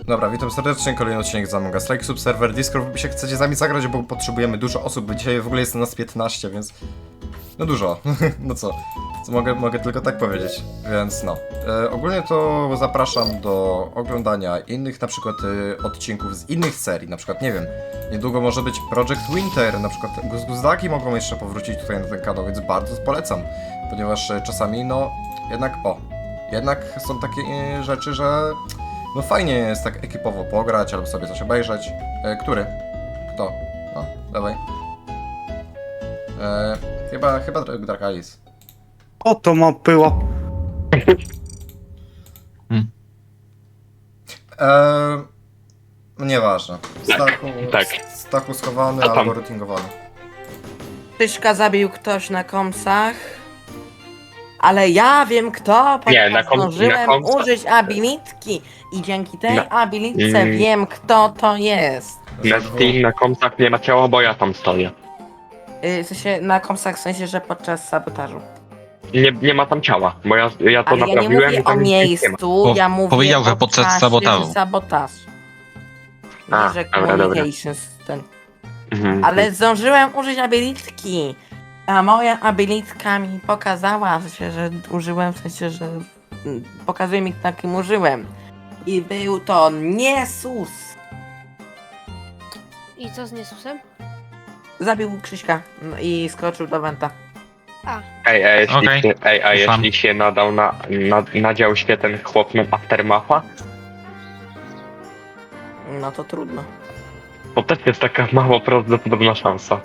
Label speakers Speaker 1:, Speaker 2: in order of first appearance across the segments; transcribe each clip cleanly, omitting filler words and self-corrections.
Speaker 1: Dobra, witam serdecznie, kolejny odcinek z Among Us Strike Subserver Discord. Jeśli chcecie z nami zagrać, bo potrzebujemy dużo osób, bo dzisiaj w ogóle jest nas 15, więc... No dużo, no co mogę tylko tak powiedzieć, więc no. Ogólnie to zapraszam do oglądania innych na przykład odcinków z innych serii, na przykład, nie wiem, niedługo może być Project Winter, na przykład Guzguzdaki mogą jeszcze powrócić tutaj na ten kanał, więc bardzo polecam, ponieważ czasami, no, jednak są takie rzeczy, że... No fajnie jest tak ekipowo pograć, albo sobie coś obejrzeć. Który? Kto? No, dawaj. Chyba Drakalis.
Speaker 2: O, to ma było.
Speaker 1: No nieważne.
Speaker 3: Tak.
Speaker 1: Stachu schowany
Speaker 3: A tam?
Speaker 1: albo routingowany.
Speaker 4: Tyszka zabił ktoś na komsach, ale ja wiem kto,
Speaker 3: Nie,
Speaker 4: ponieważ
Speaker 3: na
Speaker 4: zdążyłem
Speaker 3: komsach.
Speaker 4: użyć abilitki i dzięki tej
Speaker 3: Na-
Speaker 4: abilitce wiem kto to jest.
Speaker 3: Na Steam, na kompsach nie ma ciała, bo ja tam stoję.
Speaker 4: W sensie na komsach, w sensie, że podczas sabotażu.
Speaker 3: Nie ma tam ciała, bo ja to
Speaker 4: Ale ja nie
Speaker 3: naprawiłem
Speaker 4: mówię
Speaker 3: i
Speaker 4: o
Speaker 3: tam nic nie ma.
Speaker 4: miejscu, ja mówię
Speaker 5: powiedział, że
Speaker 4: o
Speaker 5: podczas
Speaker 4: czasie
Speaker 5: sabotażu.
Speaker 4: sabotaż.
Speaker 3: A,
Speaker 4: Nie, że
Speaker 3: dobra.
Speaker 4: communications ten.
Speaker 3: Mhm.
Speaker 4: Ale zdążyłem użyć abilitki. A moja abilitka mi pokazała, w sensie, że użyłem, w sensie, że pokazuje mi, na kim użyłem. I był to Niesus.
Speaker 6: I co z Niesusem?
Speaker 4: Zabił Krzyśka i skoczył do Wenta.
Speaker 3: Ej, a jeśli,
Speaker 5: Okej.
Speaker 3: jeśli się nadał nadział się ten chłop na Aftermatha,
Speaker 4: No to trudno.
Speaker 3: to też jest taka mało prawdopodobna szansa.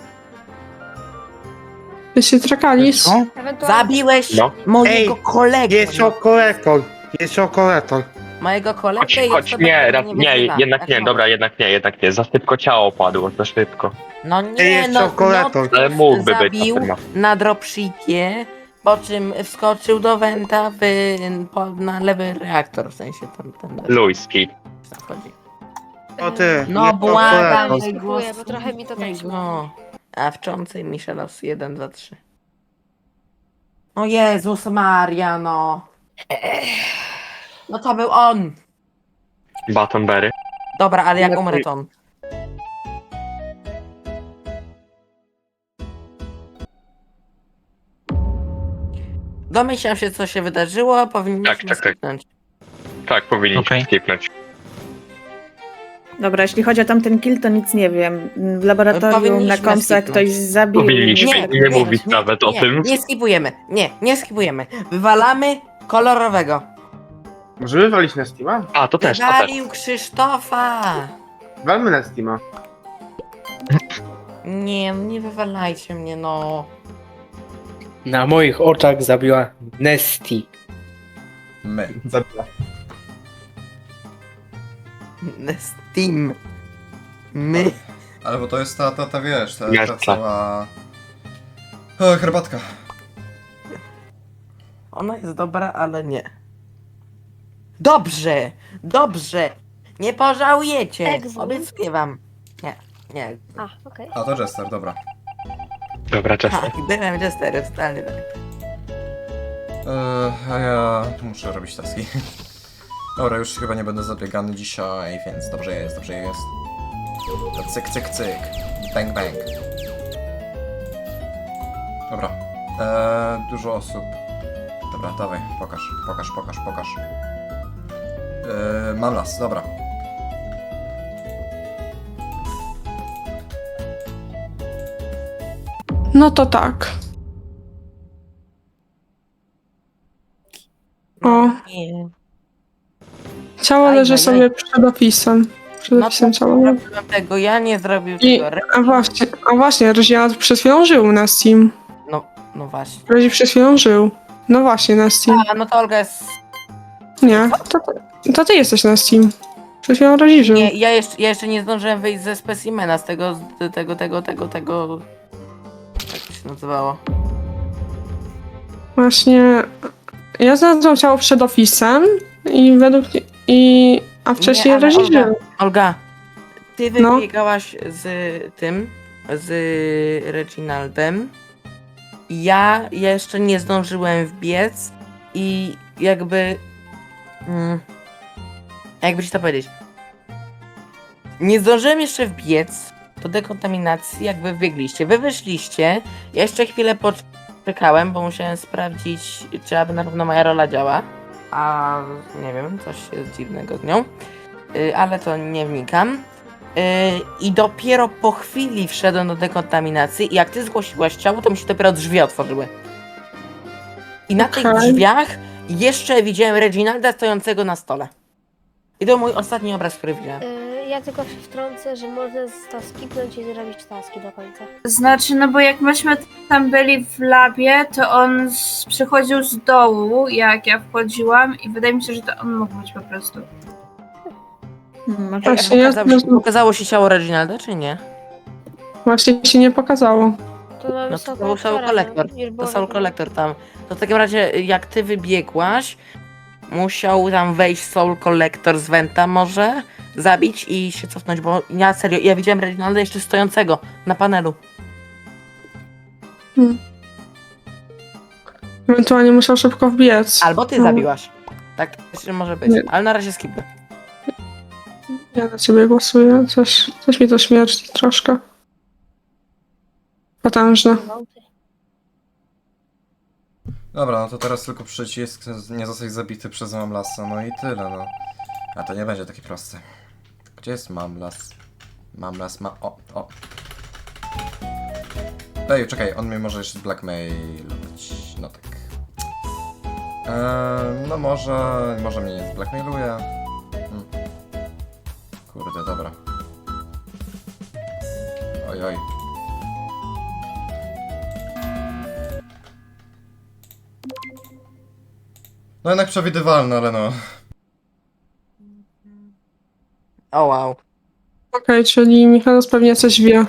Speaker 7: Wy się trakalisz?
Speaker 2: Co?
Speaker 6: Ewentualnie...
Speaker 4: Zabiłeś
Speaker 3: No.
Speaker 4: mojego kolegę.
Speaker 2: Jest okolator. Jest okolator.
Speaker 4: Mojego kolegę
Speaker 3: Choć,
Speaker 4: i
Speaker 3: choć
Speaker 4: osobę,
Speaker 3: nie,
Speaker 4: która
Speaker 3: nie,
Speaker 4: wyzywa.
Speaker 3: jednak
Speaker 4: Tak
Speaker 3: nie,
Speaker 4: mówię.
Speaker 3: dobra, jednak nie. Za szybko ciało padło, za szybko.
Speaker 4: No nie,
Speaker 2: jest
Speaker 4: no,
Speaker 2: okolator.
Speaker 3: Ale mógłby być
Speaker 4: zabił
Speaker 3: Aftermath.
Speaker 4: na dropshipie, po czym wskoczył do Wenta na lewy reaktor, w sensie ten
Speaker 3: Luiski.
Speaker 4: zachodzi.
Speaker 2: O ty.
Speaker 4: No
Speaker 2: jest
Speaker 4: błagam,
Speaker 2: okolator.
Speaker 6: nie skipuję, bo trochę mi to tak
Speaker 4: no. A wczącej Michelos 1, 2, 3. O Jezus Maria, no. No to był on.
Speaker 3: Battenberry.
Speaker 4: Dobra, ale jak
Speaker 2: Lepiej.
Speaker 4: umrę to on. Domyślam się, co się wydarzyło, powinniśmy
Speaker 3: Tak.
Speaker 4: skipnąć.
Speaker 3: Tak, powinniśmy
Speaker 5: Okej.
Speaker 3: skipnąć.
Speaker 8: Dobra, jeśli chodzi o tamten kill, to nic nie wiem. W laboratorium
Speaker 4: Powinniśmy
Speaker 8: na komsach
Speaker 4: skipnąć.
Speaker 8: ktoś zabił.
Speaker 3: Powinniśmy nie mówić nawet o tym.
Speaker 4: Nie skipujemy. Nie skipujemy. Wywalamy kolorowego.
Speaker 2: Możemy walić na Steama?
Speaker 3: A, to też.
Speaker 4: Wywalił Krzysztofa.
Speaker 2: Walmy na Steama.
Speaker 4: Nie wywalajcie mnie, no.
Speaker 9: Na moich oczach zabiła Nesty.
Speaker 1: My.
Speaker 2: Zabija.
Speaker 4: Steam. My.
Speaker 1: Ale bo to jest ta wiesz, ta
Speaker 3: Jasne.
Speaker 1: cała... herbatka.
Speaker 4: Ona jest dobra, ale nie. Dobrze. Nie pożałujecie.
Speaker 6: Egzum.
Speaker 4: Obiecuję wam. Nie.
Speaker 6: A, okej.
Speaker 1: A, to Jester, dobra.
Speaker 3: Dobra, czas.
Speaker 4: Tak, byłem Jesterem, totalnie tak.
Speaker 1: A ja muszę robić taski. Dobra, już chyba nie będę zabiegany dzisiaj, więc dobrze jest. To cyk. Bang. Dobra. Dużo osób. Dobra, dawaj, pokaż. Mam las, dobra.
Speaker 7: No to tak. O,
Speaker 4: Nie.
Speaker 7: ciało
Speaker 4: Aj,
Speaker 7: leży
Speaker 4: aj,
Speaker 7: sobie przed opisem. Przed
Speaker 4: No
Speaker 7: opisem
Speaker 4: to
Speaker 7: ciała.
Speaker 4: nie zrobiłem tego, ja nie zrobił
Speaker 7: I,
Speaker 4: tego.
Speaker 7: a właśnie, Rezia przed chwilą żył na Steam.
Speaker 4: No właśnie.
Speaker 7: Rezi przed chwilą żył. No właśnie, na Steam.
Speaker 4: A, no to Olga jest...
Speaker 7: Nie, to ty jesteś na Steam. Przed chwilą Rezi żył.
Speaker 4: Nie, ja jeszcze nie zdążyłem wyjść ze specimena, z tego... Jak to się nazywało?
Speaker 7: Właśnie, ja znalazłam ciało przed opisem i a wcześniej
Speaker 4: Nie, ale
Speaker 7: Rezi
Speaker 4: Olga,
Speaker 7: żył.
Speaker 4: Olga, ty
Speaker 7: No.
Speaker 4: wybiegałaś z Reginaldem. Ja jeszcze nie zdążyłem wbiec i jakby... jakby ci to powiedzieć? Nie zdążyłem jeszcze wbiec do dekontaminacji, jak wy biegliście. Wy wyszliście, ja jeszcze chwilę poczekałem, bo musiałem sprawdzić, czy aby na pewno moja rola działa. A nie wiem, coś jest dziwnego z nią. Ale to nie wnikam. I dopiero po chwili wszedłem do dekontaminacji i jak ty zgłosiłaś ciało, to mi się dopiero drzwi otworzyły. I na tych
Speaker 7: Okej.
Speaker 4: drzwiach jeszcze widziałem Reginalda stojącego na stole. I to mój ostatni obraz, który widziałem.
Speaker 6: Ja tylko się wtrącę, że można to skipnąć i zrobić taski do końca.
Speaker 5: Znaczy, no bo jak myśmy tam byli w labie, to on przychodził z dołu, jak ja wchodziłam i wydaje mi się, że to on mógł być po prostu.
Speaker 7: Właśnie, ja
Speaker 4: Pokazało się ciało Reginalda, czy nie?
Speaker 7: właśnie się nie pokazało.
Speaker 6: To mamy
Speaker 4: No to był Soul
Speaker 6: Collectora,
Speaker 4: Collector.
Speaker 6: już
Speaker 4: To
Speaker 6: było
Speaker 4: Soul
Speaker 6: wiadomo.
Speaker 4: Collector tam. To w takim razie, jak ty wybiegłaś, musiał tam wejść Soul Collector z Venta może, zabić i się cofnąć, bo ja serio, ja widziałem Reginalda jeszcze stojącego na panelu.
Speaker 7: Ewentualnie musiał szybko wbiec.
Speaker 4: Albo ty
Speaker 7: No,
Speaker 4: zabiłaś. Tak też może być,
Speaker 7: Nie.
Speaker 4: ale na razie skipnę.
Speaker 7: Ja na ciebie głosuję. Coś mi to śmierdzi troszkę. Potężne.
Speaker 1: Dobra, no to teraz tylko przycisk nie zostać zabity przez Mamlasa, no i tyle, no. A to nie będzie takie proste. Gdzie jest Mamlas? Mamlas ma... O. Ej, czekaj, on mnie może jeszcze blackmailować. No tak. No może mnie nie zblackmailuje. Kurde, dobra. Oj. No jednak przewidywalne, ale no.
Speaker 4: O wow.
Speaker 7: Okej, czyli Michał pewnie coś wie.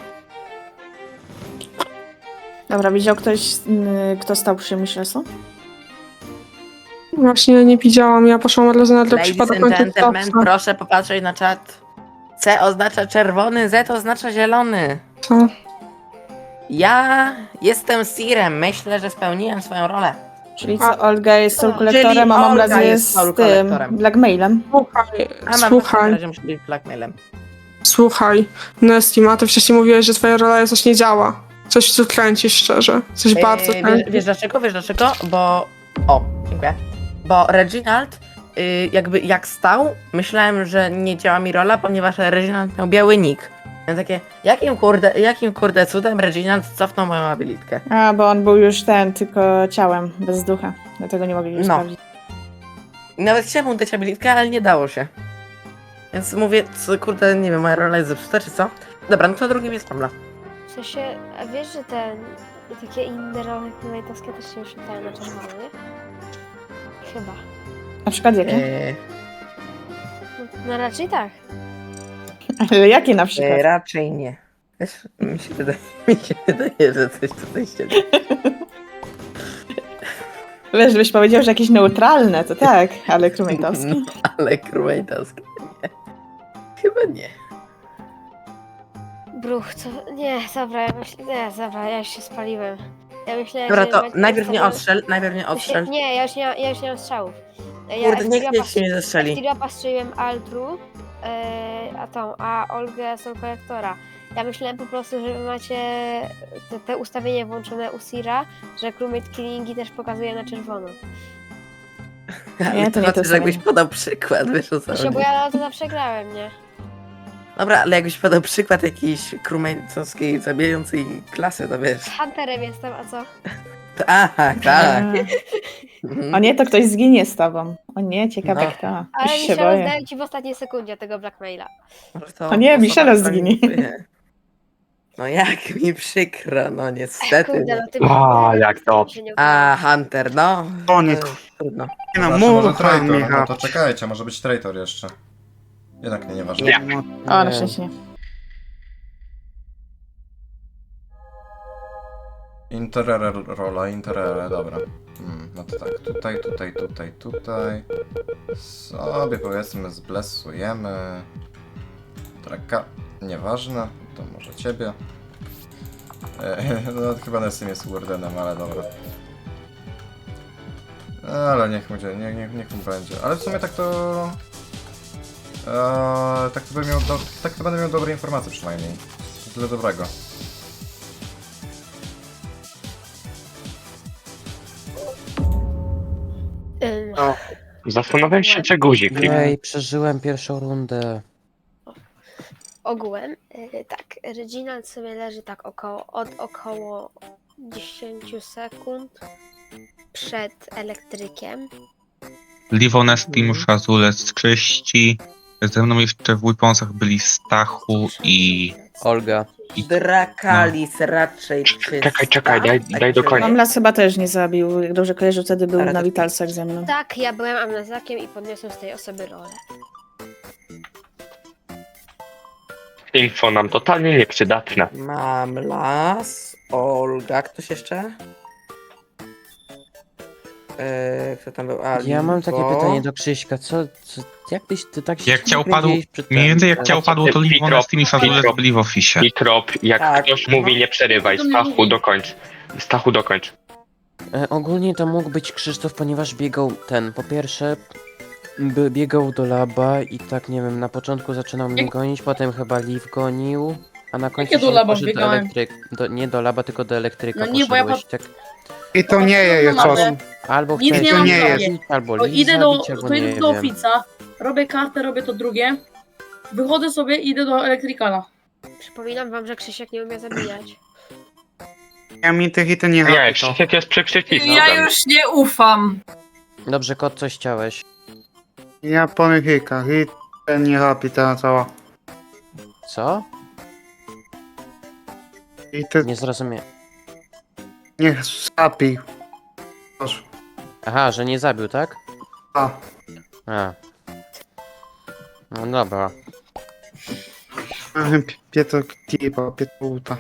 Speaker 8: Dobra, widział ktoś, kto stał przy Michelson?
Speaker 7: Właśnie nie widziałam, ja poszłam od razu na
Speaker 4: Ladies
Speaker 7: przypadek
Speaker 4: and gentlemen,
Speaker 7: końcówka.
Speaker 4: proszę popatrzeć na czat. C oznacza czerwony, Z oznacza zielony.
Speaker 7: Co?
Speaker 4: Ja jestem Sirem, myślę, że spełniłem swoją rolę.
Speaker 8: Czyli co, Olga jest Soul
Speaker 4: Czyli
Speaker 8: Collectorem, a
Speaker 4: Olga
Speaker 8: Mamlas
Speaker 4: jest
Speaker 8: jest
Speaker 4: Soul
Speaker 8: z tym,
Speaker 4: Collectorem.
Speaker 8: blackmailem.
Speaker 4: A mam
Speaker 7: Słuchaj,
Speaker 4: na razie muszę być blackmailem.
Speaker 7: słuchaj. Nestima, ty wcześniej mówiłeś, że twoja rola coś nie działa. Coś tu kręcisz szczerze. Coś bardzo kręcisz.
Speaker 4: Wiesz dlaczego? Bo... O, dziękuję. Bo Reginald, jakby jak stał, myślałem, że nie działa mi rola, ponieważ Reginald miał biały nick. Ja takie, jakim kurde cudem Reginald cofnął moją abilitkę?
Speaker 8: A, bo on był już tylko ciałem, bez ducha. Dlatego nie mogli
Speaker 4: No.
Speaker 8: sprawdzić.
Speaker 4: I nawet chciałem mu dać abilitkę, ale nie dało się. Więc mówię, co, kurde, nie wiem, moja rola jest zepsuta, czy co? Dobra, no to drugim jest Pamla.
Speaker 6: W sensie, a wiesz, że takie inne role Knightowskie też się oświetlają na czerwono, nie? Chyba.
Speaker 8: Na przykład jakie?
Speaker 6: No raczej tak.
Speaker 8: Ale jakie na przykład?
Speaker 4: Raczej nie. Wiesz, mi się wydaje, że coś tutaj się dzieje.
Speaker 8: Wiesz, żebyś powiedział, że jakieś neutralne, to tak, ale krumejtowskie.
Speaker 4: No, ale krumejtowskie nie. Chyba nie.
Speaker 6: Bruch, co? Nie, dobra, ja już się spaliłem. Ja myślałem,
Speaker 4: Dobra,
Speaker 6: że
Speaker 4: to
Speaker 6: będzie
Speaker 4: najpierw nie
Speaker 6: ustawione-
Speaker 4: odstrzel.
Speaker 6: Nie, ja już nie mam strzałów.
Speaker 4: Kurde, niech się nie zestrzeli.
Speaker 6: Stirapa strzeliłem Altru, a Olgę Soul Collectora. Ja myślałem po prostu, że wy macie te ustawienie włączone u Sira, że crewmate killingi też pokazuje na czerwono.
Speaker 8: Nie, to nie to
Speaker 4: znaczy, że
Speaker 8: samo.
Speaker 4: jakbyś podał przykład, wiesz o co
Speaker 6: Bo
Speaker 4: chodzi.
Speaker 6: ja to zawsze grałem, nie?
Speaker 4: Dobra, ale jakbyś podał przykład jakiejś krumejcowskiej zabijającej klasy, to wiesz.
Speaker 6: Hunterem jestem, a co?
Speaker 4: To, aha, tak.
Speaker 8: O nie, to ktoś zginie z tobą. O nie, ciekawe
Speaker 4: No.
Speaker 8: kto.
Speaker 6: Ale
Speaker 8: Już się
Speaker 6: Michelle
Speaker 8: boję.
Speaker 6: zdaję ci w ostatniej sekundzie tego blackmaila.
Speaker 4: To
Speaker 8: O nie,
Speaker 4: osoba,
Speaker 8: Michela
Speaker 4: która
Speaker 8: zginie.
Speaker 4: nie- No jak mi przykro, no niestety.
Speaker 6: Kurde,
Speaker 4: no.
Speaker 6: no ty
Speaker 3: jak to?
Speaker 6: się nie
Speaker 4: A, Hunter, no.
Speaker 2: O nie,
Speaker 4: Trudno.
Speaker 2: no
Speaker 1: Zawsze może
Speaker 2: mucha,
Speaker 1: traitor, no
Speaker 2: Michał.
Speaker 1: to czekajcie, może być traitor jeszcze. Jednak nieważne.
Speaker 3: Nie.
Speaker 8: O, na szczęście nie.
Speaker 1: Interere, dobra. No to tak, tutaj. Sobie powiedzmy zblesujemy. Traka, nieważne, to może ciebie. No chyba Nessim jest Wardenem, ale dobra. Ale niech będzie, niech mu będzie. Ale w sumie tak to... Tak to będę miał dobre informacje przynajmniej. Tyle dobrego.
Speaker 2: O,
Speaker 3: Zastanawiam się, czy guzik kliknął.
Speaker 10: Jej, przeżyłem pierwszą rundę.
Speaker 6: Ogółem, tak, Reginald sobie leży tak około 10 sekund przed elektrykiem.
Speaker 11: Liwon, Nestim, Szazulec, Krzyści. Ze mną jeszcze w Weaponsach byli Stachu i...
Speaker 10: Olga.
Speaker 4: Drakalis raczej czysta.
Speaker 3: Czekaj, daj do końca.
Speaker 8: Mamlas chyba też nie zabił. Jak dobrze kojarzę, wtedy był
Speaker 4: Ale
Speaker 8: na
Speaker 4: to-
Speaker 8: Witalsach ze mną.
Speaker 6: Tak, ja byłem amnezakiem i podniosłem z tej osoby rolę.
Speaker 3: Info nam totalnie nieprzydatne.
Speaker 4: Mam las, Olga, ktoś jeszcze? Kto tam był?
Speaker 10: Ja mam takie
Speaker 4: Alibo.
Speaker 10: pytanie do Krzyśka, jak ty tak się
Speaker 11: Jak ciało
Speaker 10: nagle
Speaker 11: padło,
Speaker 10: gdzieś przed
Speaker 11: mniej więcej jak
Speaker 10: ten-
Speaker 11: ciało padło, to Liwon, Nestim i Szazulec byli w ofisie.
Speaker 3: Mikrop, jak
Speaker 4: Tak.
Speaker 3: ktoś mówi, nie przerywaj. Stachu, dokończ. Stachu, dokończ.
Speaker 10: Ogólnie to mógł być Krzysztof, ponieważ biegał po pierwsze biegał do laba i tak nie wiem, na początku zaczynał mnie gonić, potem chyba Liv gonił, a na końcu
Speaker 12: Jakie do
Speaker 10: się
Speaker 12: laba
Speaker 10: poszedł
Speaker 12: biegałem?
Speaker 10: nie do laba, tylko do elektryka
Speaker 12: No nie, bo ja
Speaker 10: poszedłeś, tak.
Speaker 2: I to nie jest
Speaker 12: No,
Speaker 2: coś.
Speaker 12: ale-
Speaker 10: Albo
Speaker 12: Nic
Speaker 10: chciałeś
Speaker 12: nie mam
Speaker 2: nie
Speaker 12: w
Speaker 2: jest.
Speaker 12: sobie.
Speaker 10: albo
Speaker 12: To
Speaker 10: Liv
Speaker 12: idę
Speaker 10: zabić, albo
Speaker 12: to
Speaker 10: nie
Speaker 12: idę do
Speaker 10: wiem.
Speaker 12: ofica, robię kartę, robię to drugie, wychodzę sobie i idę do elektrykala.
Speaker 6: Przypominam wam, że Krzysiek nie umie zabijać.
Speaker 2: Ja mi tych i to nie
Speaker 3: Nie,
Speaker 2: robi to.
Speaker 3: Krzysiek jest przy przycisku.
Speaker 5: Ja już nie ufam.
Speaker 10: Dobrze, kot, coś chciałeś.
Speaker 2: Ja po mychykach i ten nie robi ta cała.
Speaker 10: Co?
Speaker 2: I ty
Speaker 10: Nie zrozumiałem.
Speaker 2: niech zapi. Proszę.
Speaker 10: Aha, że nie zabił, tak?
Speaker 2: A,
Speaker 10: A. No dobra.
Speaker 2: Pietro Kipa, Pietruta.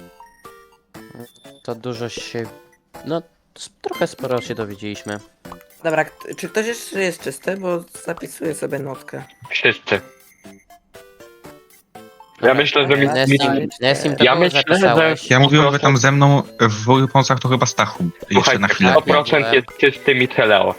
Speaker 10: To dużo się... No, trochę sporo się dowiedzieliśmy.
Speaker 4: Dobra, czy ktoś jeszcze jest czysty? Bo zapisuję sobie notkę.
Speaker 3: Wszyscy. Ja myślę, że
Speaker 10: Nessim, to
Speaker 3: Ja
Speaker 10: kogo
Speaker 3: myślę,
Speaker 10: zapisałeś?
Speaker 11: Ja mówiłem, że tam ze mną w Weaponsach to chyba Stachu. Jeszcze na
Speaker 3: Słuchajcie,
Speaker 11: chwilę.
Speaker 3: 100% jest czystym i Teleo.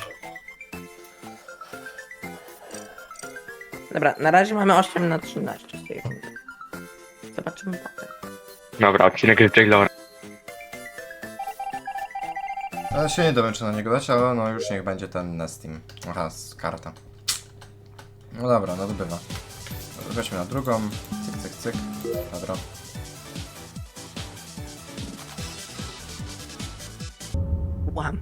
Speaker 4: Dobra, na razie mamy 8 na 13 z tej rundy. Zobaczymy potem.
Speaker 3: Dobra, odcinek z Jailora.
Speaker 1: Ja się nie dowiem, czy na niego dać, ale no już niech będzie ten Nestim. Aha, karta. No dobra, no dobywa. Weźmy na drugą. Cyk, cyk, cyk. Dobra.
Speaker 4: Łam.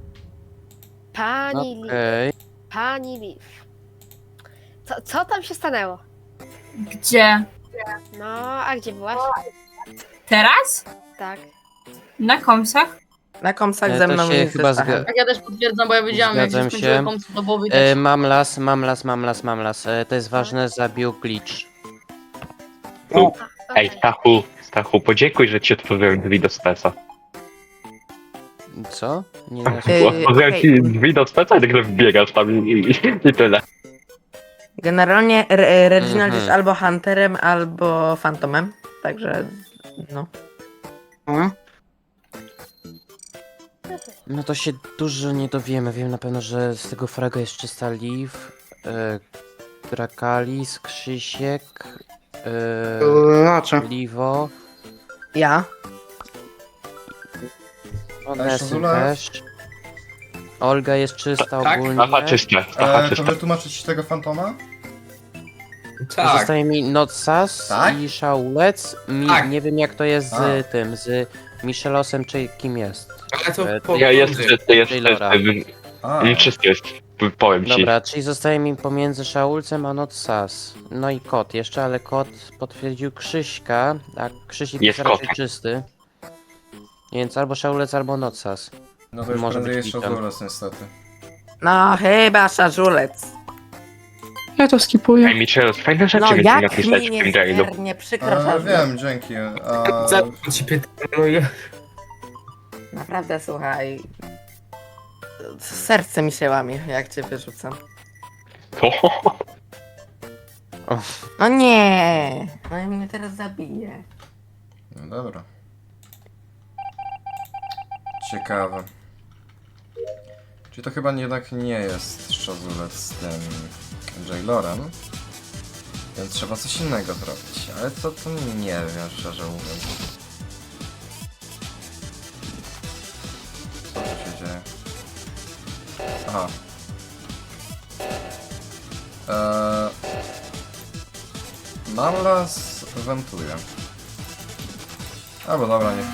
Speaker 6: Pani Liv,
Speaker 10: Okej.
Speaker 6: pani Liv. Co tam się stanęło?
Speaker 5: Gdzie?
Speaker 6: No, a gdzie byłaś?
Speaker 5: Teraz?
Speaker 6: Tak.
Speaker 5: Na komsach?
Speaker 4: Na komsach
Speaker 10: To
Speaker 4: ze mną
Speaker 10: się
Speaker 4: jest
Speaker 10: chyba
Speaker 4: ze Stachem.
Speaker 12: Tak ja też potwierdzam, bo ja wiedziałam, jak
Speaker 10: Zgadzam
Speaker 12: się skończyły
Speaker 10: się.
Speaker 12: końce do głowy też.
Speaker 10: Mam las. To jest ważne, zabił glitch.
Speaker 3: Ej, Stachu, podziękuj, że ci otworzyłem drzwi do Spesa.
Speaker 10: Co? Nie,
Speaker 3: Otworzyłem ci drzwi do Spesa i nagle wbiegasz tam i tyle.
Speaker 4: Generalnie Reginald
Speaker 10: Mhm.
Speaker 4: jest albo Hunterem, albo Phantomem. Także, no.
Speaker 2: no.
Speaker 10: No to się dużo nie dowiemy. Wiem na pewno, że z tego fraga jest czysta Liv, Drakalis, Krzysiek,
Speaker 2: Raczej.
Speaker 10: Livo,
Speaker 4: Ja?
Speaker 10: Nessim
Speaker 1: Szazula?
Speaker 10: też. Olga jest czysta
Speaker 3: Tak?
Speaker 10: ogólnie.
Speaker 3: Aha, czyste.
Speaker 1: To wytłumaczyć tego fantoma?
Speaker 10: Zostaje mi Notsas
Speaker 1: Tak?
Speaker 10: i Shaulec. Nie wiem jak to jest
Speaker 1: A.
Speaker 10: z tym, z Michelosem czy kim jest.
Speaker 3: Ja jest czysty,
Speaker 10: Taylora.
Speaker 1: A,
Speaker 3: Czysty jest, powiem ci.
Speaker 10: Dobra, czyli zostaje mi pomiędzy Shaulcem a Notsas. No i kot jeszcze, ale kot potwierdził Krzyśka, a Krzysiek
Speaker 3: Jest
Speaker 10: jest raczej
Speaker 3: kotem.
Speaker 10: czysty. Więc albo Shaulec, albo Notsas.
Speaker 1: no to już
Speaker 10: może
Speaker 1: prędzej
Speaker 10: być
Speaker 1: jest
Speaker 10: kitem.
Speaker 1: Szazulec niestety.
Speaker 4: No chyba Szarzulec.
Speaker 7: Ja to skipuję.
Speaker 3: Ej, Michel, fajne rzeczy
Speaker 4: No
Speaker 3: mi
Speaker 4: jak
Speaker 3: napisać
Speaker 4: mi
Speaker 3: w tym jailu.
Speaker 4: niezmiernie przykro, Szarzulec.
Speaker 1: Wiem, dzięki.
Speaker 4: Naprawdę, słuchaj. Serce mi się łamie, jak cię wyrzucam.
Speaker 3: To?
Speaker 4: No nie! No i mnie teraz zabije.
Speaker 1: No dobra. Ciekawe. Czyli to chyba jednak nie jest Szazulec z tym Jailorem. Więc trzeba coś innego zrobić. Ale co to nie wiem, szczerze mówiąc. Co tu się dzieje? Aha. Mamlas wentuje. Albo dobra, nie.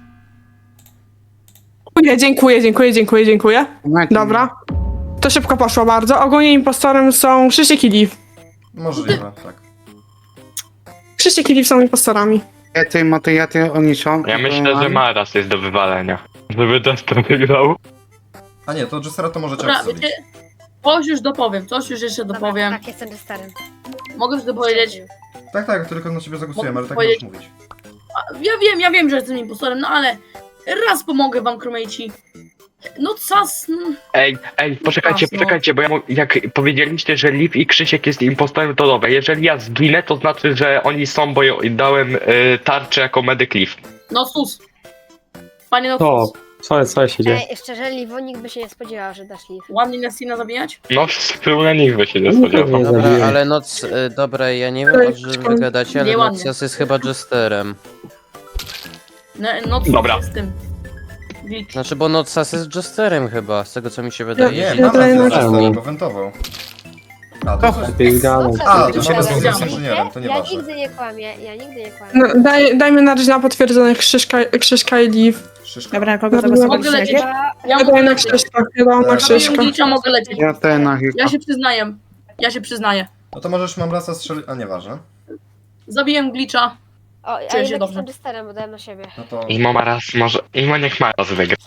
Speaker 7: Dziękuję. Dobra. To szybko poszło bardzo. Ogólnie impostorem są Krzysiek i Liv.
Speaker 1: Możliwe, tak.
Speaker 7: Krzysiek i Liv są impostorami.
Speaker 2: Ja ty Onisho.
Speaker 3: Ja myślę, że Maras jest do wywalenia. Żeby Destin wygrał.
Speaker 1: A nie, to Jestera to możecie
Speaker 12: Dobra,
Speaker 1: obstawić.
Speaker 12: wiecie, coś już dopowiem, coś już jeszcze dopowiem.
Speaker 6: Tak, jestem starym.
Speaker 12: Mogę już dopowiedzieć.
Speaker 1: Tak, tylko na ciebie zagłosujemy, ale tak
Speaker 12: Powiedzieć-
Speaker 1: możesz mówić.
Speaker 12: Ja wiem, że jestem impostorem, no ale raz pomogę wam, kromejci. No cas, no.
Speaker 3: Ej, poczekajcie, bo jak powiedzieliście, że Liv i Krzysiek jest impostorem, to dobra. Jeżeli ja zginę, to znaczy, że oni są, bo ja dałem tarczę jako medyk Liv.
Speaker 12: No sus. Panie no
Speaker 9: To,
Speaker 12: sus.
Speaker 9: co się dzieje?
Speaker 6: Ej, szczerze, Livo, nikt by się nie spodziewał, że dasz Liv.
Speaker 12: Ładnie Nestina zabijać?
Speaker 3: No, wspólne nikt by się nie spodziewał.
Speaker 10: Dobra, ale noc... dobra, ja nie wiem, o czym wy gadacie, ale
Speaker 12: Nieładnie.
Speaker 10: Nocas jest chyba Jesterem.
Speaker 12: No sus
Speaker 3: Dobra.
Speaker 12: z tym. Glitch.
Speaker 10: Znaczy, bo Nocas jest Jesterem chyba, z tego co mi się wydaje.
Speaker 1: Nie,
Speaker 7: wydaje
Speaker 1: Mamlas
Speaker 7: mi
Speaker 1: jest
Speaker 7: się-
Speaker 1: Jesterem, bo wentował. A, to coś... A, to
Speaker 6: Dobra,
Speaker 1: się
Speaker 12: jest
Speaker 1: z inżynierem, to
Speaker 6: Ja
Speaker 1: nieważne.
Speaker 6: nigdy nie kłamię,
Speaker 7: No, dajmy na razie na potwierdzone Krzyśka i Liv.
Speaker 1: Szyszka.
Speaker 8: Dobra, na kogo
Speaker 7: Dobra.
Speaker 12: Mogę
Speaker 8: zagłosowaliście
Speaker 12: lecieć.
Speaker 8: najpierw?
Speaker 12: Ja
Speaker 7: Ja
Speaker 12: mogę
Speaker 7: daję na
Speaker 12: lecieć.
Speaker 7: Krzyśka, ja dam na
Speaker 1: Tak.
Speaker 7: Krzyśka.
Speaker 12: Glitcha mogę lecieć.
Speaker 2: Ja ten na Hika.
Speaker 12: Ja się przyznaję.
Speaker 1: No to możesz Mamlasa strzelić... A, nieważne.
Speaker 12: Zabiję glitcha.
Speaker 6: O, a
Speaker 12: Czuję
Speaker 6: jednak
Speaker 12: się dobrze.
Speaker 6: jestem Jesterem, bo dałem na siebie.
Speaker 1: No to...
Speaker 3: Niech Maras wygra.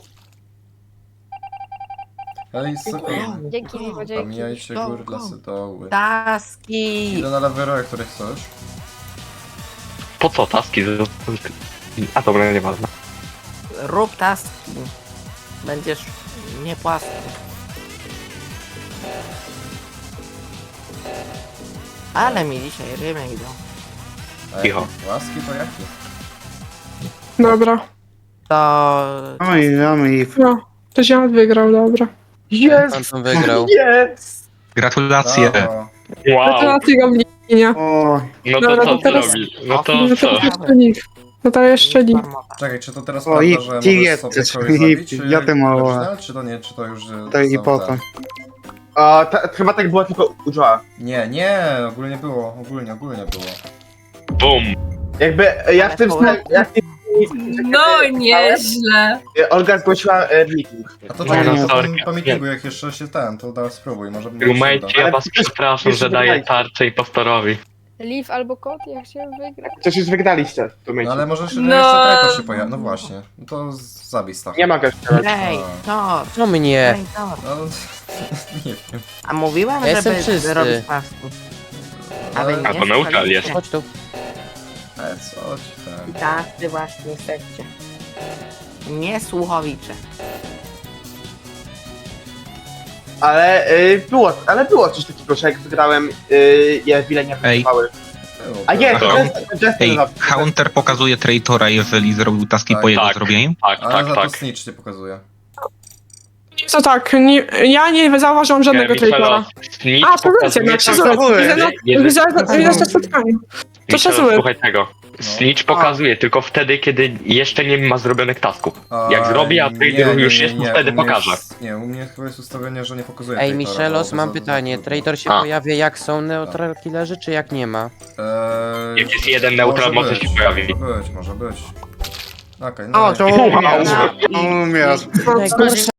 Speaker 1: Ej,
Speaker 6: Dzięki, Livo, dzięki.
Speaker 1: Pomijajcie góry, lasy, doły.
Speaker 4: Taski.
Speaker 1: Idę na lewero, jak których chcesz.
Speaker 3: Po co taski? A dobra, nieważne.
Speaker 4: Rób taski. Będziesz nie płaski. Ale mi dzisiaj rymy idą.
Speaker 1: A
Speaker 3: Cicho.
Speaker 1: jakie łaski to jakie?
Speaker 7: Dobra.
Speaker 4: To...
Speaker 2: Oj, mamy ich.
Speaker 7: No, to Ziad wygrał, dobra.
Speaker 10: Pan tam wygrał.
Speaker 11: Gratulacje.
Speaker 1: Brawo.
Speaker 3: Wow,
Speaker 7: Gratulacje, Goblinie.
Speaker 2: O,
Speaker 3: no
Speaker 7: Dobra,
Speaker 3: to
Speaker 7: to
Speaker 3: co
Speaker 7: teraz-
Speaker 3: zrobić? No to
Speaker 7: No to
Speaker 3: co?
Speaker 7: jeszcze Liv. No to jeszcze Liv.
Speaker 1: Czekaj, czy to teraz
Speaker 2: O,
Speaker 1: prawda,
Speaker 2: i-
Speaker 1: że możesz
Speaker 2: i jest,
Speaker 1: sobie
Speaker 2: jest,
Speaker 1: kogoś
Speaker 2: i-
Speaker 1: zabić, czy
Speaker 2: ja te mała.
Speaker 1: original, czy to nie, czy to już...
Speaker 2: to i
Speaker 1: są
Speaker 2: po
Speaker 1: te-
Speaker 2: co?
Speaker 13: Chyba tak było tylko u Joa.
Speaker 1: Nie, ogólnie było, ogólnie było.
Speaker 3: Bum!
Speaker 13: Jakby ja w tym
Speaker 5: No nieźle.
Speaker 13: Olga zgłosiła meeting.
Speaker 1: A to
Speaker 2: Nie,
Speaker 1: czekaj,
Speaker 2: no,
Speaker 1: no,
Speaker 3: sorry.
Speaker 1: po meetingu, jak jeszcze się to teraz spróbuj, może mi się
Speaker 3: Rumejcie,
Speaker 1: uda.
Speaker 3: ja was przepraszam, że daję tarczę impostorowi.
Speaker 6: Liv albo kot, ja chciałem wygrać.
Speaker 13: Przecież już wygraliście w tym
Speaker 1: No
Speaker 13: momencie.
Speaker 1: ale możesz,
Speaker 5: No.
Speaker 1: jeszcze trajko się pojawi, no właśnie, no to zabij Stacha.
Speaker 13: Nie mogę strzelać.
Speaker 4: Ej, to.
Speaker 10: Co mnie?
Speaker 4: Ej, to.
Speaker 1: No, nie wiem.
Speaker 4: A mówiłem,
Speaker 10: Ja jestem
Speaker 4: żeby
Speaker 10: czysty.
Speaker 4: robić taski. A wy
Speaker 3: A,
Speaker 4: nie
Speaker 3: bo neutral jest.
Speaker 4: słuchaliście.
Speaker 10: Chodź tu.
Speaker 1: Co ci tam?
Speaker 4: Tacy właśnie jesteście. Nie słuchowicze.
Speaker 13: Ale było coś takiego, że jak wygrałem, je wiele nie
Speaker 11: Ej.
Speaker 13: wygrywały.
Speaker 1: Było,
Speaker 13: A jest,
Speaker 11: Halo?
Speaker 13: Justin
Speaker 11: Ej,
Speaker 13: zabił.
Speaker 11: Hunter pokazuje traitora, jeżeli zrobił taski
Speaker 1: Tak.
Speaker 11: po jego
Speaker 3: Tak.
Speaker 11: zrobieniu.
Speaker 3: Tak,
Speaker 1: Ale za to
Speaker 3: tak.
Speaker 1: snitch nie pokazuje.
Speaker 7: Co tak, ja nie zauważyłam żadnego traitora. A, to wiecie, no
Speaker 13: Jeżeli-
Speaker 7: widzę na spotkaniu. To szacunek.
Speaker 3: Słuchaj tego. Snitch pokazuje tylko wtedy, kiedy jeszcze nie ma zrobionych tasków. Jak zrobi, a traitor już jest, to wtedy
Speaker 1: u mnie
Speaker 3: pokaże.
Speaker 1: Nie, u mnie chyba jest ustawienie, że nie pokazuje
Speaker 10: Ej,
Speaker 1: traitora,
Speaker 10: Michelos,
Speaker 1: bo
Speaker 10: mam
Speaker 1: za-
Speaker 10: pytanie.
Speaker 1: za-
Speaker 10: Traitor się
Speaker 3: A.
Speaker 10: pojawia jak są neutral killerzy, czy jak nie ma?
Speaker 3: Jak jest jeden neutral, może się pojawi.
Speaker 1: Może być. Okej, no
Speaker 2: O, to
Speaker 1: nie.
Speaker 2: umiesz. Umiesz.
Speaker 7: No,